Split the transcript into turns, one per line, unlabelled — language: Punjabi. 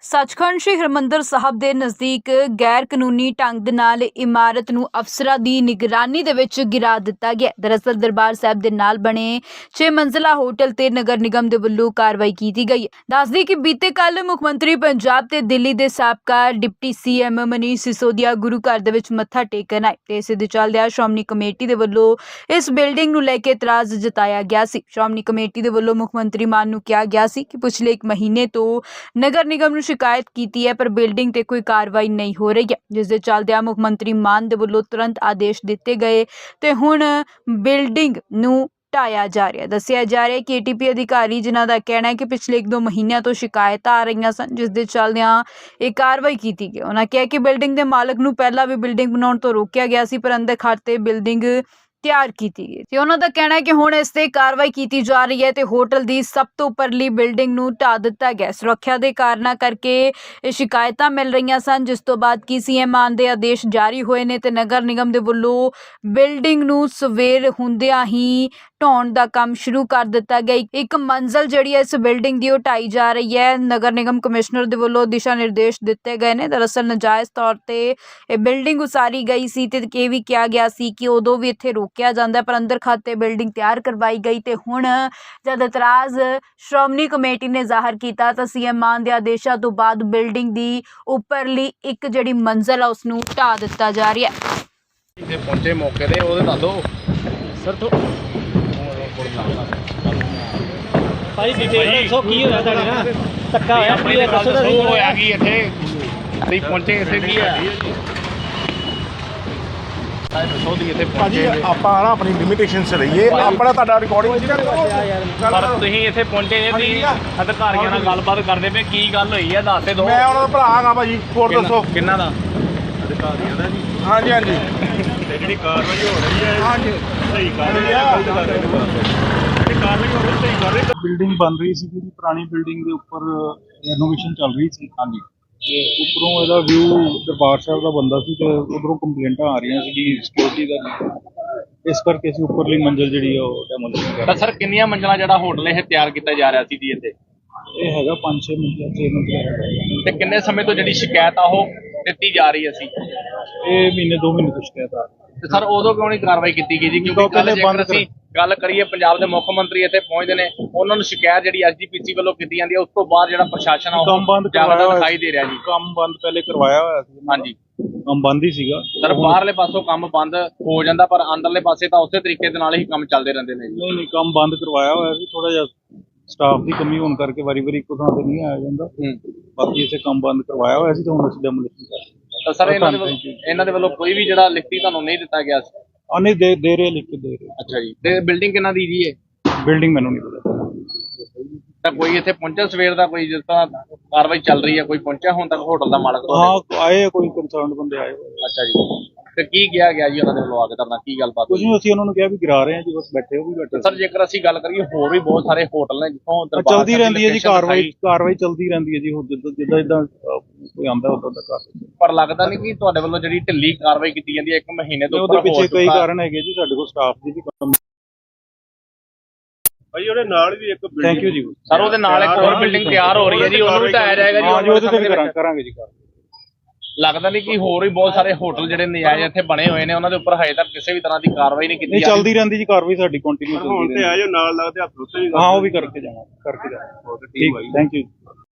ਸੱਚਖੰਡ ਸ਼੍ਰੀ ਹਰਿਮੰਦਰ ਸਾਹਿਬ ਦੇ ਨਜ਼ਦੀਕ ਗੈਰ ਕਾਨੂੰਨੀ ਢੰਗ ਦੇ ਨਾਲ ਇਮਾਰਤ ਨੂੰ ਅਫਸਰਾਂ ਦੀ ਨਿਗਰਾਨੀ ਦੇ ਵਿੱਚ ਗਿਰਾ ਦਿੱਤਾ ਗਿਆ। ਦਰਅਸਲ ਦਰਬਾਰ ਸਾਹਿਬ ਦੇ ਨਾਲ ਬਣੇ 6 ਮੰਜ਼ਲਾ ਹੋਟਲ ਤੇ ਨਗਰ ਨਿਗਮ ਦੇ ਵੱਲੋਂ ਕਾਰਵਾਈ ਕੀਤੀ ਗਈ ਹੈ। ਦੱਸਦੀ ਕਿ ਬੀਤੇ ਕੱਲ ਮੁੱਖ ਮੰਤਰੀ ਪੰਜਾਬ ਤੇ ਦਿੱਲੀ ਦੇ ਸਾਬਕਾ ਡਿਪਟੀ ਸੀਐਮ ਮਨੀਸ਼ ਸਿਸੋਦੀਆ ਗੁਰੂ ਘਰ ਦੇ ਵਿੱਚ ਮੱਥਾ ਟੇਕਣ ਆਏ ਤੇ ਇਸੇ ਦੇ ਚੱਲਦਿਆਂ ਸ਼੍ਰੋਮਣੀ ਕਮੇਟੀ ਦੇ ਵੱਲੋਂ ਇਸ ਬਿਲਡਿੰਗ ਨੂੰ ਲੈ ਕੇ ਇਤਰਾਜ਼ ਜਤਾਇਆ ਗਿਆ ਸੀ। ਸ਼੍ਰੋਮਣੀ ਕਮੇਟੀ ਦੇ ਵੱਲੋਂ ਮੁੱਖ ਮੰਤਰੀ ਮਾਨ ਨੂੰ ਕਿਹਾ ਗਿਆ ਸੀ ਕਿ ਪਿਛਲੇ 1 ਮਹੀਨੇ ਤੋਂ ਨਗਰ ਨਿਗਮ ਨੂੰ शिकायत की है पर बिल्डिंग ते कोई कार्रवाई नहीं हो रही है, जिस दे चलदे मुख मंत्री मान दे वल्लों तुरंत आदेश दिते गए ते हुण बिल्डिंग नूं ਢਾਇਆ ਜਾ ਰਿਹਾ। ਦੱਸਿਆ ਜਾ ਰਿਹਾ ਕਿ ਏਟੀਪੀ ਅਧਿਕਾਰੀ ਜਿਨ੍ਹਾਂ ਦਾ ਕਹਿਣਾ ਹੈ ਕਿ ਪਿਛਲੇ 1-2 ਮਹੀਨਿਆਂ ਤੋਂ ਸ਼ਿਕਾਇਤਾਂ ਆ ਰਹੀਆਂ ਸਨ, ਜਿਸ ਦੇ ਚੱਲਦਿਆਂ ਇਹ ਕਾਰਵਾਈ ਕੀਤੀ ਗਈ। ਉਹਨਾਂ ਕਿਹਾ ਕਿ ਬਿਲਡਿੰਗ ਦੇ ਮਾਲਕ ਨੂੰ ਪਹਿਲਾਂ ਵੀ ਬਿਲਡਿੰਗ ਬਣਾਉਣ ਤੋਂ ਰੋਕਿਆ ਗਿਆ ਸੀ, ਪਰ ਅੰਦਰ ਖਾਤੇ ਬਿਲਡਿੰਗ ਤਿਆਰ ਕੀਤੀ ਗਈ ਤੇ ਉਹਨਾਂ ਦਾ ਕਹਿਣਾ ਹੈ ਕਿ ਹੁਣ ਇਸ ਤੇ ਕਾਰਵਾਈ ਕੀਤੀ ਜਾ ਰਹੀ ਹੈ ਤੇ ਹੋਟਲ ਦੀ ਸਭ ਤੋਂ ਉੱਪਰਲੀ ਬਿਲਡਿੰਗ ਨੂੰ ਢਾ ਦਿੱਤਾ ਗਿਆ। ਸੁਰੱਖਿਆ ਦੇ ਕਾਰਨਾਂ ਕਰਕੇ ਇਹ ਸ਼ਿਕਾਇਤਾਂ ਮਿਲ ਰਹੀਆਂ ਸਨ, ਜਿਸ ਤੋਂ ਬਾਅਦ ਕੀ ਸੀਐਮ ਮਾਨ ਦੇ ਆਦੇਸ਼ ਜਾਰੀ ਹੋਏ ਨੇ ਤੇ ਨਗਰ ਨਿਗਮ ਦੇ ਵੱਲੋਂ ਬਿਲਡਿੰਗ ਨੂੰ ਸਵੇਰ ਹੁੰਦਿਆਂ ਹੀ ਢਾਉਣ ਦਾ ਕੰਮ ਸ਼ੁਰੂ ਕਰ ਦਿੱਤਾ ਗਿਆ। ਇੱਕ ਮੰਜ਼ਲ ਜਿਹੜੀ ਹੈ ਇਸ ਬਿਲਡਿੰਗ ਦੀ ਉਹ ਢਾਈ ਜਾ ਰਹੀ ਹੈ। ਨਗਰ ਨਿਗਮ ਕਮਿਸ਼ਨਰ ਦੇ ਵੱਲੋਂ ਦਿਸ਼ਾ ਨਿਰਦੇਸ਼ ਦਿੱਤੇ ਗਏ ਨੇ। ਦਰਅਸਲ ਨਜਾਇਜ਼ ਤੌਰ ਤੇ ਇਹ ਬਿਲਡਿੰਗ ਉਸਾਰੀ ਗਈ ਸੀ ਤੇ ਇਹ ਵੀ ਕਿਹਾ ਗਿਆ ਸੀ ਕਿ ਉਦੋਂ ਵੀ ਇੱਥੇ ਰੋਕਿਆ ਜਾਂਦਾ, ਪਰ ਅੰਦਰ ਖਾਤੇ ਬਿਲਡਿੰਗ ਤਿਆਰ ਕਰਵਾਈ ਗਈ ਤੇ ਹੁਣ ਜਦ ਇਤਰਾਜ਼ ਸ਼੍ਰੋਮਣੀ ਕਮੇਟੀ ਨੇ ਜ਼ਾਹਰ ਕੀਤਾ ਤਾਂ ਸੀਐਮ ਮਾਨ ਦੇ ਆਦੇਸ਼ਾਂ ਤੋਂ ਬਾਅਦ ਬਿਲਡਿੰਗ ਦੀ ਉੱਪਰਲੀ ਇੱਕ ਜਿਹੜੀ ਮੰਜ਼ਲ ਆ ਉਸ ਨੂੰ ਢਾ ਦਿੱਤਾ ਜਾ ਰਿਹਾ ਹੈ।
ਇੱਥੇ ਪਹੁੰਚੇ ਮੌਕੇ ਤੇ ਉਹਦੇ ਦੱਸੋ ਸਰ ਤੋਂ
ਭਾਈ ਡਿਟੇਲ ਦੱਸੋ ਕੀ ਹੋਇਆ ਤੁਹਾਡੇ ਨਾਲ ਧੱਕਾ ਹੋਇਆ
ਆਪਣੀ ਗੱਲ ਦੱਸੋ ਹੋਇਆ ਕੀ ਇੱਥੇ ਤੁਸੀਂ ਪਹੁੰਚੇ ਇੱਥੇ ਕੀ ਹੈ ਦੱਸੋ ਦੀ ਇੱਥੇ
ਭਾਜੀ
ਪਹੁੰਚੇ
ਆਪਾਂ ਨਾ ਆਪਣੀ ਲਿਮਿਟੇਸ਼ਨ 'ਚ ਰਹੀਏ। ਆਪਣਾ ਤੁਹਾਡਾ ਰਿਕਾਰਡਿੰਗ
ਪਰ ਤੁਸੀਂ ਇੱਥੇ ਪਹੁੰਚੇ ਜੇ ਤੁਸੀਂ ਅਧਿਕਾਰੀਆਂ ਨਾਲ ਗੱਲਬਾਤ ਕਰਦੇ ਪਏ ਕੀ ਗੱਲ ਹੋਈ ਹੈ ਦੱਸ ਦਿਓ।
ਮੈਂ ਉਹਨਾਂ ਦਾ ਭਰਾ ਹਾਂ ਭਾਜੀ, ਹੋਰ ਦੱਸੋ
ਕਿੰਨਾ ਦਾ
ਅਧਿਕਾਰੀਆਂ ਦਾ ਜੀ? ਹਾਂਜੀ ਹਾਂਜੀ,
ਤੇ ਜਿਹੜੀ ਕਾਰਵਾਈ ਹੋ ਰਹੀ ਹੈ
ਹਾਂਜੀ
ਸਹੀ ਕਰ ਰਹੀ ਹੈ, ਗਲਤ ਕਰ ਰਹੇ ਨੇ ਜਿਹੜੀ ਕਾਰਵਾਈ ਹੋ ਰਹੀ ਸਹੀ ਕਰ ਰਹੇ।
ਬਿਲਡਿੰਗ ਬਣ ਰਹੀ ਸੀ ਜਿਹੜੀ ਪੁਰਾਣੀ ਬਿਲਡਿੰਗ ਦੇ ਉੱਪਰ ਰੈਨੋਵੇਸ਼ਨ ਚੱਲ ਰਹੀ ਸੀ। ਹਾਂਜੀ, ਤੇ ਉੱਪਰੋਂ ਇਹਦਾ ਵਿਊ ਦਰਬਾਰ ਸਾਹਿਬ ਦਾ ਬੰਦਾ ਸੀ ਤੇ ਉਧਰੋਂ ਕੰਪਲੇਂਟਾਂ ਆ ਰਹੀਆਂ ਸੀ ਕਿ ਸਿਕਿਉਰਿਟੀ ਦਾ, ਇਸ ਕਰਕੇ ਅਸੀਂ ਉੱਪਰਲੀ ਮੰਜ਼ਿਲ ਜਿਹੜੀ ਉਹ ਡੈਮੋਲੀਸ਼ਨ ਕਰ
ਤਾਂ ਸਰ ਕਿੰਨੀਆਂ ਮੰਜ਼ਲਾਂ ਜਿਹੜਾ ਹੋਟਲ ਇਹ ਤਿਆਰ ਕੀਤਾ ਜਾ ਰਿਹਾ ਸੀ ਜੀ ਇੱਥੇ?
ਇਹ ਹੈਗਾ 5-6 ਮੰਜ਼ਿਲ 6 ਮੰਜ਼ਿਲ ਹੈਗਾ।
ਤੇ ਕਿੰਨੇ ਸਮੇਂ ਤੋਂ ਜਿਹੜੀ ਸ਼ਿਕਾਇਤ ਆ ਉਹ ਦਿੱਤੀ ਜਾ ਰਹੀ ਸੀ?
ਇਹ ਮਹੀਨੇ 2 ਮਹੀਨੇ ਤੋਂ ਸ਼ਿਕਾਇਤ ਆ ਰਹੀ।
ਤੇ ਸਰ ਉਦੋਂ ਕਿਉਂ ਨਹੀਂ ਕਾਰਵਾਈ ਕੀਤੀ ਗਈ ਜੀ? ਕਿਉਂਕਿ ਕੱਲ ਜੇਕਰ ਅਸੀਂ ਗੱਲ ਕਰੀਏ ਪੰਜਾਬ ਦੇ ਮੁੱਖ ਮੰਤਰੀ ਇੱਥੇ ਪਹੁੰਚਦੇ ਨੇ, ਉਹਨਾਂ ਨੂੰ ਸ਼ਿਕਾਇਤ ਜਿਹੜੀ ਐਸਜੀਪੀਸੀ ਵੱਲੋਂ ਕੀਤੀ ਜਾਂਦੀ ਹੈ, ਉਸ ਤੋਂ ਬਾਅਦ ਜਿਹੜਾ ਪ੍ਰਸ਼ਾਸਨ ਆ
ਕੰਮ ਬੰਦ
ਉਹ ਜ਼ਿਆਦਾ ਦਿਖਾਈ ਦੇ ਰਿਹਾ ਜੀ।
ਕੰਮ ਬੰਦ ਪਹਿਲੇ ਕਰਵਾਇਆ ਹੋਇਆ ਸੀ।
ਹਾਂਜੀ,
ਕੰਮ ਬੰਦ ਹੀ ਸੀਗਾ
ਸਰ ਬਾਹਰਲੇ ਪਾਸੋਂ ਕੰਮ ਬੰਦ ਹੋ ਜਾਂਦਾ ਪਰ ਅੰਦਰਲੇ ਪਾਸੇ ਤਾਂ ਉਸੇ ਤਰੀਕੇ ਦੇ ਨਾਲ ਹੀ ਕੰਮ ਚੱਲਦੇ ਰਹਿੰਦੇ ਨੇ ਜੀ।
ਨਹੀਂ ਕੰਮ ਬੰਦ ਕਰਵਾਇਆ ਹੋਇਆ ਸੀ। ਥੋੜਾ ਜਿਹਾ ਸਟਾਫ ਦੀ ਕਮੀ ਹੋਣ ਕਰਕੇ ਵਾਰੀ ਇੱਕੋ ਥਾਂ ਤੇ ਨਹੀਂ ਆਇਆ ਜਾਂਦਾ। ਬਾਕੀ ਇਸੇ ਕੰਮ ਬੰਦ ਕਰਵਾਇਆ ਹੋਇਆ ਸੀ ਤੇ ਹੁਣ ਅਸੀਂ ਡੈਮੋਲੀਸ਼ਨ ਕਰ ਰਹੇ ਹਾਂ।
ਤਾਂ ਸਰ ਇਹਨਾਂ ਦੇ ਵੱਲੋਂ ਕੋਈ ਵੀ ਜਿਹੜਾ ਲਿਖਤੀ ਤੁਹਾਨੂੰ ਨਹੀਂ ਦਿੱਤਾ ਗਿਆ ਸੀ?
ਨਹੀਂ ਦੇ ਰਹੇ, ਲਿਖ ਕੇ ਦੇ ਰਹੇ।
ਅੱਛਾ ਜੀ, ਤੇ ਬਿਲਡਿੰਗ ਕਿੰਨਾ ਦੀ ਜੀ ਇਹ?
ਬਿਲਡਿੰਗ ਮੈਨੂੰ ਨਹੀਂ ਪਤਾ।
ਤਾਂ ਕੋਈ ਇੱਥੇ ਪਹੁੰਚਿਆ ਸਵੇਰ ਦਾ? ਕੋਈ ਜਿਸ ਤਰ੍ਹਾਂ ਕਾਰਵਾਈ ਚੱਲ ਰਹੀ ਹੈ ਕੋਈ ਪਹੁੰਚਿਆ ਹੁਣ ਤੱਕ ਹੋਟਲ ਦਾ ਮਾਲਕ?
ਹਾਂ ਆਏ ਆ, ਕੋਈ ਕੰਸਰਨਡ ਬੰਦੇ ਆਏ ਹੋਏ।
ਅੱਛਾ ਜੀ, ਤੇ ਕੀ ਕਿਹਾ ਗਿਆ ਜੀ ਉਹਨਾਂ ਦੇ ਵੱਲੋਂ ਆ ਕੇ ਤੁਹਾਡਾ ਕੀ ਗੱਲਬਾਤ?
ਕੁਝ ਨਹੀਂ, ਅਸੀਂ ਉਹਨਾਂ ਨੂੰ ਕਿਹਾ ਵੀ ਗਿਰਾ ਰਹੇ ਹਾਂ ਜੀ, ਬਸ ਬੈਠੇ ਉਹ ਵੀ ਬੈਠੇ।
ਸਰ ਜੇਕਰ ਅਸੀਂ ਗੱਲ ਕਰੀਏ ਹੋਰ ਵੀ ਬਹੁਤ ਸਾਰੇ ਹੋਟਲ ਨੇ ਜਿੱਥੋਂ
ਚਲਦੀ ਰਹਿੰਦੀ ਹੈ ਜੀ ਕਾਰਵਾਈ ਚਲਦੀ ਰਹਿੰਦੀ ਹੈ ਜੀ। ਹੁਣ ਜਿੱਦਾਂ ਕੋਈ ਆਉਂਦਾ ਉਦੋਂ ਦਾ ਕਰ।
ਪਰ ਲੱਗਦਾ ਨਹੀਂ ਕਿ ਤੁਹਾਡੇ ਵੱਲੋਂ ਜਿਹੜੀ ਢਿੱਲੀ ਕਾਰਵਾਈ ਕੀਤੀ ਜਾਂਦੀ ਹੈ 1 ਮਹੀਨੇ ਤੋਂ
ਉਹਦੇ ਪਿੱਛੇ ਕਈ ਕਾਰਨ ਹੈਗੇ ਜੀ। ਸਾਡੇ ਕੋਲ ਸਟਾਫ ਦੀ ਵੀ ਕਮੀ।
ਭਾਈ ਉਹਦੇ ਨਾਲ ਵੀ ਇੱਕ
ਥੈਂਕ ਯੂ ਜੀ
ਸਰ। ਉਹਦੇ ਨਾਲ ਇੱਕ ਹੋਰ ਬਿਲਡਿੰਗ ਤਿਆਰ ਹੋ ਰਹੀ ਹੈ ਜੀ, ਉਹਨੂੰ ਵੀ ਢਾਇਆ ਜਾਏਗਾ ਜੀ?
ਹਾਂਜੀ, ਉਹਦੇ ਤੇ ਵੀ ਕਰਾਂਗੇ ਜੀ ਕਾਰਵਾਈ।
ਲੱਗਦਾ ਨਹੀਂ ਕਿ ਹੋਰ ਵੀ ਬਹੁਤ ਸਾਰੇ ਹੋਟਲ ਜਿਹੜੇ ਨਜਾਇਜ਼ ਇੱਥੇ ਬਣੇ ਹੋਏ ਨੇ ਉਹਨਾਂ ਦੇ ਉੱਪਰ ਹਜੇ ਤੱਕ ਕਿਸੇ ਵੀ ਤਰ੍ਹਾਂ ਦੀ ਕਾਰਵਾਈ ਨਹੀਂ ਕੀਤੀ
ਨਹੀਂ ਚੱਲਦੀ ਰਹਿੰਦੀ ਜੀ ਕਾਰਵਾਈ ਸਾਡੀ ਕੰਟੀਨਿਊ ਚੱਲਦੀ ਰਹਿੰਦੀ।
ਹੁਣ ਤੇ ਆਏ ਨਾਲ ਲੱਗਦੇ ਹੱਥ ਉੱਤੇ
ਹਾਂ ਉਹ ਵੀ ਕਰਕੇ ਜਾਵਾਂਗੇ। ਠੀਕ, ਥੈਂਕ ਯੂ।